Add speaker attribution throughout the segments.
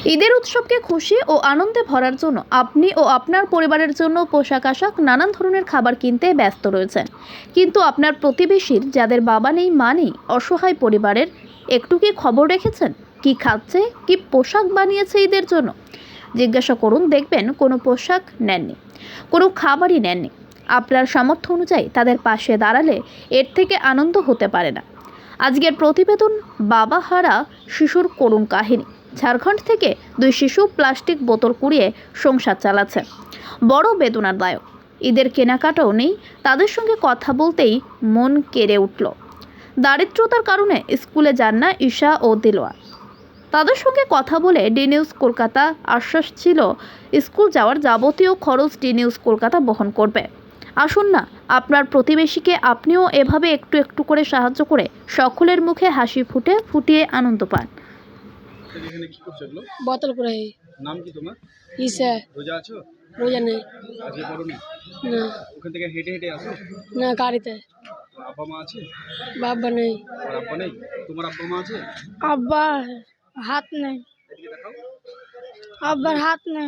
Speaker 1: ঈদের উৎসবকে খুশি ও আনন্দে ভরার জন্য আপনি ও আপনার পরিবারের জন্য পোশাক আশাক নানান ধরনের খাবার কিনতে ব্যস্ত রয়েছেন, কিন্তু আপনার প্রতিবেশীর যাদের বাবা নেই মা নেই অসহায় পরিবারের একটু কি খবর রেখেছেন? কি খাচ্ছে, কি পোশাক বানিয়েছে ঈদের জন্য? জিজ্ঞাসা করুন, দেখবেন কোনো পোশাক নেননি, কোনো খাবারই নেননি। আপনার সামর্থ্য অনুযায়ী তাদের পাশে দাঁড়ালে এর থেকে আনন্দ হতে পারে না। আজকের প্রতিবেদন বাবা হারা শিশুর করুণ কাহিনী। ঝাড়খণ্ড থেকে দুই শিশু প্লাস্টিক বোতল কুড়িয়ে সংসার চালাচ্ছে। বড় বেদনাদায়ক। ঈদের কেনাকাটাও নেই, তাদের সঙ্গে কথা বলতেই মন কেড়ে উঠল। দারিদ্রতার কারণে স্কুলে যান না ঈশা ও দিলওয়া। তাদের সঙ্গে কথা বলে ডি নিউজ কলকাতা আশ্বাস ছিল স্কুল যাওয়ার যাবতীয় খরচ ডি নিউজ কলকাতা বহন করবে। আসুন না, আপনার প্রতিবেশীকে আপনিও এভাবে একটু একটু করে সাহায্য করে সকলের মুখে হাসি ফুটিয়ে আনন্দ পান।
Speaker 2: এখানে কি করছো এগুলো?
Speaker 3: বোতল করে।
Speaker 2: নাম কি তোমার?
Speaker 3: ইসে
Speaker 2: রোজা আছো?
Speaker 3: রোজা নেই।
Speaker 2: আজকে করোনি?
Speaker 3: না
Speaker 2: ওখান থেকে হেঁটে হেঁটে আসো?
Speaker 3: না, গাড়িতে।
Speaker 2: আব্বা মা আছে?
Speaker 3: বাবা নেই।
Speaker 2: আর আব্বা নেই? তোমার আব্বা মা আছে?
Speaker 3: আব্বা হাত নেই।
Speaker 2: এদিকে দেখাও।
Speaker 3: আব্বার হাত নেই।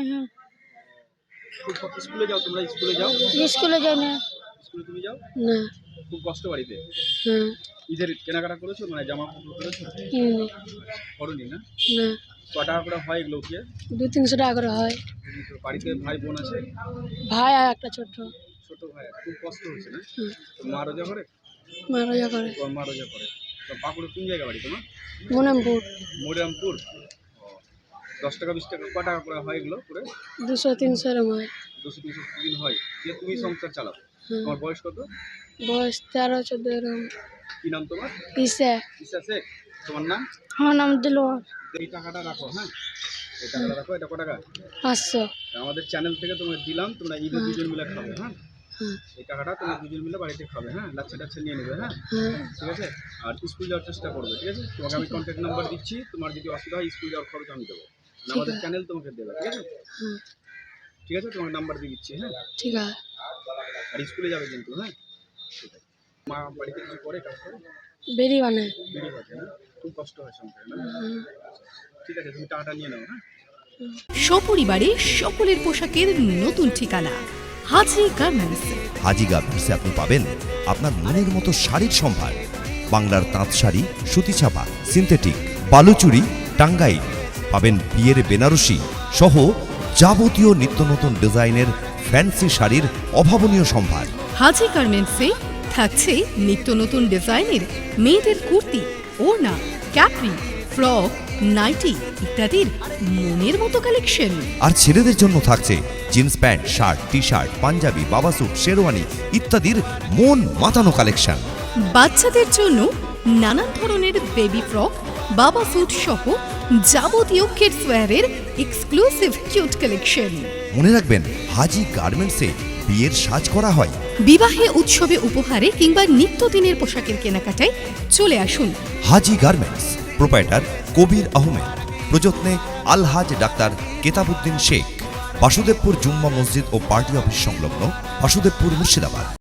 Speaker 2: খুব স্কুলে যাও, তোমরা স্কুলে যাও?
Speaker 3: স্কুলে যাই না।
Speaker 2: স্কুলে তুমি যাও?
Speaker 3: না।
Speaker 2: খুব কষ্ট বাড়িতে।
Speaker 3: হ্যাঁ।
Speaker 2: ঈদের কেনাকাটা করেছো, মানে জামা কাপড় করেছো? করোনি না?
Speaker 3: না।
Speaker 2: ক টাকা করে হয় এগুলো কি?
Speaker 3: 200-300 টাকা করে হয়।
Speaker 2: বাড়িতে ভাই বোন আছে?
Speaker 3: ভাই আর একটা ছোট
Speaker 2: ভাই। খুব কষ্ট হচ্ছে না?
Speaker 3: হুম।
Speaker 2: মা রোজা করে?
Speaker 3: মা রোজা করে।
Speaker 2: তোমার মা রোজা করে। তো পাকুড়ে কোন জায়গা বাড়ি তোমার?
Speaker 3: মনামপুর।
Speaker 2: মরিরামপুর। 10 টাকা 20 টাকা ক টাকা করে হয় এগুলো করে?
Speaker 3: 200-300 এরকম হয়।
Speaker 2: 200-300 দিন হয়। দিয়ে তুমি সংসার চালাও।
Speaker 3: হুম।
Speaker 2: তোমার বয়স কত?
Speaker 3: বয়স 13-14 এরকম।
Speaker 2: কি নাম তোমার?
Speaker 3: ইসে।
Speaker 2: ইসা শেখ। তোমার নাম?
Speaker 3: আমার নাম দিলওয়া।
Speaker 2: এই টাকাটা রাখো, হ্যাঁ? এই টাকাটা রাখো। এটা কত টাকা?
Speaker 3: 500।
Speaker 2: আমাদের চ্যানেল থেকে তোমাকে দিলাম, তোমরা ঈদে দুজন মিলে খাবে, হ্যাঁ?
Speaker 3: হ্যাঁ।
Speaker 2: এই টাকাটা তোমরা দুজন মিলে বাড়িতে খাবে, হ্যাঁ? লাচ্ছা টাচ্ছা নিয়ে নেবে, হ্যাঁ?
Speaker 3: হ্যাঁ।
Speaker 2: ঠিক আছে? আর স্কুল যাওয়ার চেষ্টা করবে, ঠিক আছে? তোমাকে আমি কন্ট্যাক্ট নাম্বার দিচ্ছি, তোমার যদি অসুবিধা হয় স্কুল যাওয়ার খরচ আমি দেবো। আমাদের চ্যানেল তোমাকে দেবে, ঠিক আছে?
Speaker 3: হ্যাঁ।
Speaker 2: ঠিক আছে, তোমার নাম্বার দিয়ে দিচ্ছি, হ্যাঁ?
Speaker 3: ঠিক আছে।
Speaker 2: আর স্কুলে যাবে কিন্তু, হ্যাঁ? ঠিক আছে। মা বাড়িতে কিছু করে, কাজ করে?
Speaker 3: বেরি বানায়।
Speaker 2: বেরিয়ে গেছে না? খুব কষ্ট হয় সংসারে না? ঠিক আছে, তুমি টাকাটা নিয়ে নাও, হ্যাঁ?
Speaker 4: সপরিবারে সকলের পোশাকের নতুন ঠিকানা হাজি গার্মেন্টস।
Speaker 5: হাজি গার্মেন্টসে আপনি পাবেন আপনার মনের মতো শাড়ির সম্ভার। বাংলার তাঁত শাড়ি, সুতি ছাপা, সিনথেটিক, বালুচুরি, টাঙ্গাইল, পাবেন বিয়ের বেনারসি সহ যাবতীয় নিত্য নতুন ডিজাইনের ফ্যান্সি শাড়ির অভাবনীয় সম্ভার।
Speaker 4: হাজি গার্মেন্টসে থাকছে নিত্য নতুন ডিজাইনের মেয়েদের কুর্তি, ওড়না, ক্যাপরি, ফ্রক, নাইটি ইত্যাদির মনের মতো কালেকশন।
Speaker 5: আর ছেলেদের জন্য থাকছে jeans pant, shirt, T shirt, panjabi, বাবা স্যুট, শেরওয়ানি ইত্যাদির মন মাতানো কালেকশন।
Speaker 4: বাচ্চাদের জন্য নানান ধরনের বেবি ফ্রক, বাবা স্যুট সহ যাবতীয় কিডস ওয়্যারের এক্সক্লুসিভ কিউট কালেকশন।
Speaker 5: মনে রাখবেন, হাজি গার্মেন্টসে বিয়ের সাজ করা হয়।
Speaker 4: বিবাহে, উৎসবে, উপহারে কিংবা নিত্যদিনের পোশাকের কেনাকাটায় চলে আসুন
Speaker 5: হাজি গার্মেন্টস। প্রোপাইটার কবির আহমেদ, প্রযত্নে আলহাজ ডাক্তার কেতাবউদ্দিন শেখ, বাসুদেবপুর জুম্মা মসজিদ ও পার্টি অফিস সংলগ্ন, বাসুদেবপুর, মুর্শিদাবাদ।